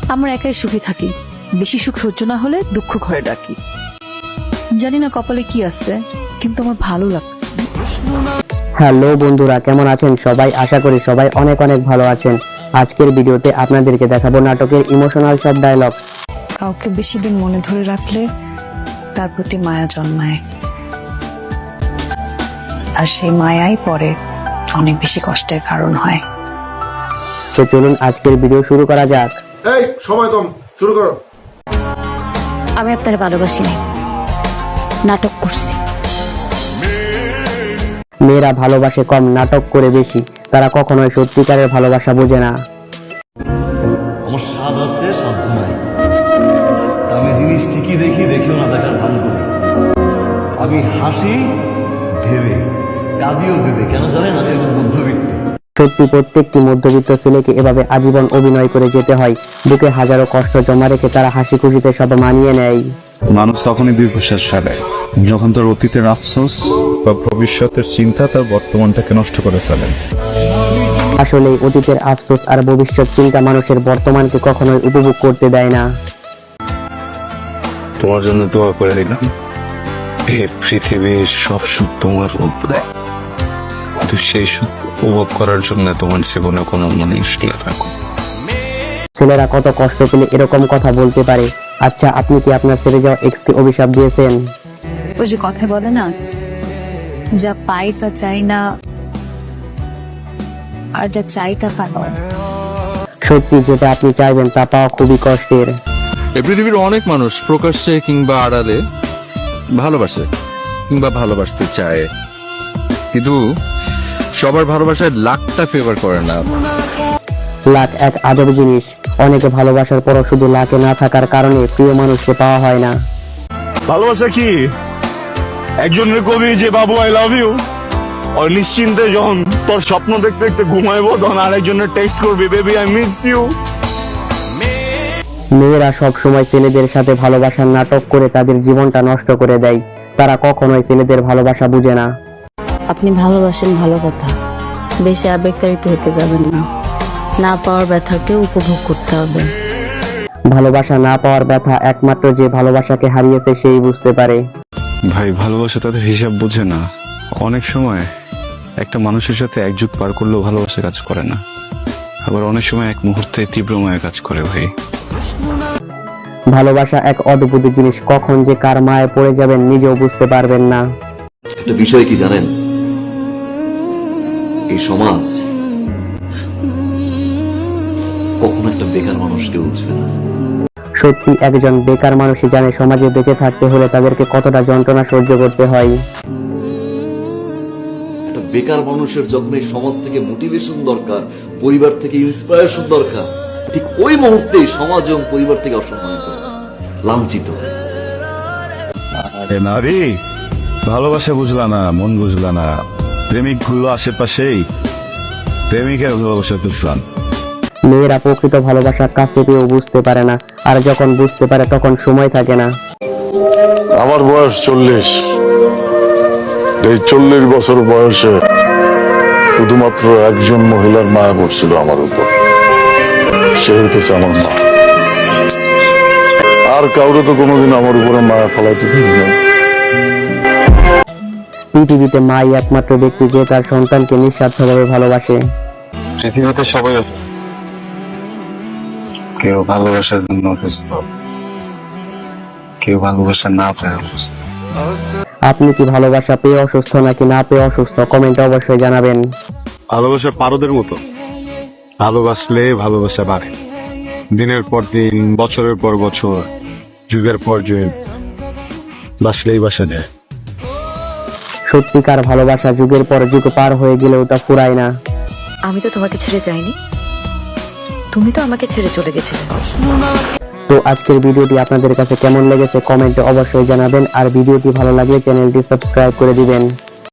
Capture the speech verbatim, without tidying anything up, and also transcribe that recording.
আমরা একাই সুখী থাকি, বেশি সুখ সহ্য না হলে দুঃখ ঘরে ডাকি। জানি না কপালে কি আছে, কিন্তু আমার ভালো লাগছে। হ্যালো বন্ধুরা, কেমন আছেন সবাই? আশা করি সবাই অনেক অনেক ভালো আছেন। আজকের ভিডিওতে আপনাদেরকে দেখাবো নাটকের ইমোশনাল সব ডায়লগ। কাউকে বেশি দিন মনে ধরে রাখলে তার প্রতি মায়া জন্মায়, আর সেই মায়াই পরে অনেক বেশি কষ্টের কারণ হয়। তো চলুন আজকের ভিডিও শুরু করা যাক। এই সময় কম, শুরু করো। আমি আপনার ভালোবাসি না, নাটক করছি। মেয়েরা ভালোবাসে কম, নাটক করে বেশি। তারা কখনোই সত্যিকারের ভালোবাসা বোঝে না। আমার স্বাদ আছে, সাধ্য নাই। আমি জিনিস ঠিকই দেখি, দেখেও না দেখার ভান করি। আমি হাসি ভেবে, কাঁদিও ভেবে। কেন জানেন? আমি একজন মধ্যবিত্ত। সত্যি প্রত্যেকটি মধ্যবিত্ত ছেলেকে এভাবে আজীবন অভিনয় করে যেতে হয়। বুকে হাজারো কষ্ট জমা রেখে তারা হাসি খুশিতে সব মানিয়ে নেয়। মানুষ তখনই দীর্ঘশ্বাস ফেলে যখন তার অতীতের আফসোস বা ভবিষ্যতের চিন্তা তার বর্তমানটাকে নষ্ট করে ফেলে। আসলে অতীতের আফসোস আর ভবিষ্যৎ চিন্তা মানুষের বর্তমানকে কখনোই উপভোগ করতে দেয় না। তোমার জন্য দোয়া করে দিলাম, এই পৃথিবীর সব সুখ তোমার উপরে, কিন্তু সেই সুখ উপভোগ করার জন্য তোমার জীবনে কোনো মানুষ না থাকো। ছেলেরা কত কষ্ট পেলে এরকম কথা বলতে পারে। আচ্ছা, আপনি কি আপনার ছেড়ে যাওয়া এক্সকে অভিশাপ দিয়েছেন? ওই যে কথা বলে না, যা পাই তা চাই না, আর যা চাই তা পাই। সত্যি যেটা আপনি চাইবেন তা পাওয়া খুবই কষ্টের। এই পৃথিবীর অনেক মানুষ প্রকাশ্যে কিংবা আড়ালে ভালোবাসে কিংবা ভালোবাসতে চায়, কিন্তু সবার ভালোবাসায় লাখটা ফেভার করে না। লাখ এক আজব জিনিস। অনেকে ভালোবাসার পরও শুধু লাখে না থাকার কারণে প্রিয় মানুষকে পাওয়া হয় না। ভালোবাসা কি? একজনের কবি যে বাবু আই লাভ ইউ, আর নিশ্চিন্তে যখন তোর স্বপ্ন দেখতে দেখতে ঘুমাইবো তখন আরেকজনের টেক্সট করবি বেবি আই মিস ইউ। মেয়েরা সব সময় ছেলেদের সাথে ভালোবাসার নাটক করে তাদের জীবনটা নষ্ট করে দেয়। তারা কখনোই ছেলেদের ভালোবাসা বুঝে না। আপনি ভালোবাসেন, ভালো কথা, বেশি আবেগতাড়িত হতে যাবেন না। না পাওয়ার ব্যথাকে উপভোগ করতে হবে। ভালোবাসা না পাওয়ার ব্যথা একমাত্র যে ভালোবাসাকে হারিয়েছে সেই বুঝতে পারে। ভাই, ভালোবাসা তাদের হিসাব বোঝে না। অনেক সময় একটা মানুষের সাথে এক যুগ পার করলেও ভালোবাসা কাজ করে না, আবার অনেক সময় এক মুহূর্তে তীব্র মায়া কাজ করে। ভাই, ভালোবাসা এক অদ্ভুত জিনিস, কখন যে কার মায়ে পড়ে যাবেন নিজেও বুঝতে পারবেন না। একটা বিষয় কি জানেন? এই সমাজ কখনো একটা বেকার মানুষকে বুঝবে না। সত্যি একজন বেকার মানুষই জানে সমাজে বেঁচে থাকতে হলে তাদেরকে কতটা যন্ত্রণা সহ্য করতে হয়। একটা বেকার মানুষের যখন এই সমাজ থেকে মোটিভেশন দরকার, পরিবার থেকে ইন্সপায়ারেশন দরকার, ঠিক ওই মুহূর্তেই সমাজ এবং পরিবার থেকে অসম্মানিত হয়, লাঞ্ছিত হয়। আরে নারী, ভালোবাসা বুঝলা না, মন বুঝলা না। প্রেমিক ঘুরলো আশেপাশেই, প্রেমিকের ভালোবাসা বুঝলাম। মেয়েরা প্রকৃত ভালোবাসা কাছে পেয়েও বুঝতে পারে না, আর যখন বুঝতে পারে তখন সময় থাকে না। আমার বয়স চল্লিশ। এই চল্লিশ বছর বয়সে শুধুমাত্র একজন মহিলার মায়া পড়ছিল আমার উপর, সে হইতেছে আমার মা। আর কাউরে তো কোনোদিন আমার উপরে মায়া ফলাইতে দিই না। পৃথিবীতে মাই একমাত্র ব্যক্তি যে তার সন্তানকে নিঃস্বার্থভাবে ভালোবাসে। পৃথিবীতে সবাই অসুস্থ, কেউ ভালোবাসার জন্য অসুস্থ, কেউ ভালোবাসা না পেয়ে অসুস্থ। আপনি কি ভালোবাসা পেয়ে অসুস্থ নাকি না পেয়ে অসুস্থ? কমেন্টে অবশ্যই জানাবেন। ভালোবাসা পারদের মতো, ভালোবাসলে ভালোবাসা বাড়ে। দিনের পর দিন, বছরের পর বছর, যুগের পর যুগ, বাসলেই বাসা যায়। সত্যিকার ভালোবাসা যুগের পর যুগ পার হয়ে গেলেও তা ফুরায় না। আমি তো তোমাকে ছেড়ে যাইনি, তুমি তো আমাকে ছেড়ে চলে গেছিলে। তো আজকের ভিডিওটি আপনাদের কাছে কেমন লেগেছে কমেন্টে অবশ্যই জানাবেন, আর ভিডিওটি ভালো লাগলে চ্যানেলটি সাবস্ক্রাইব করে দিবেন।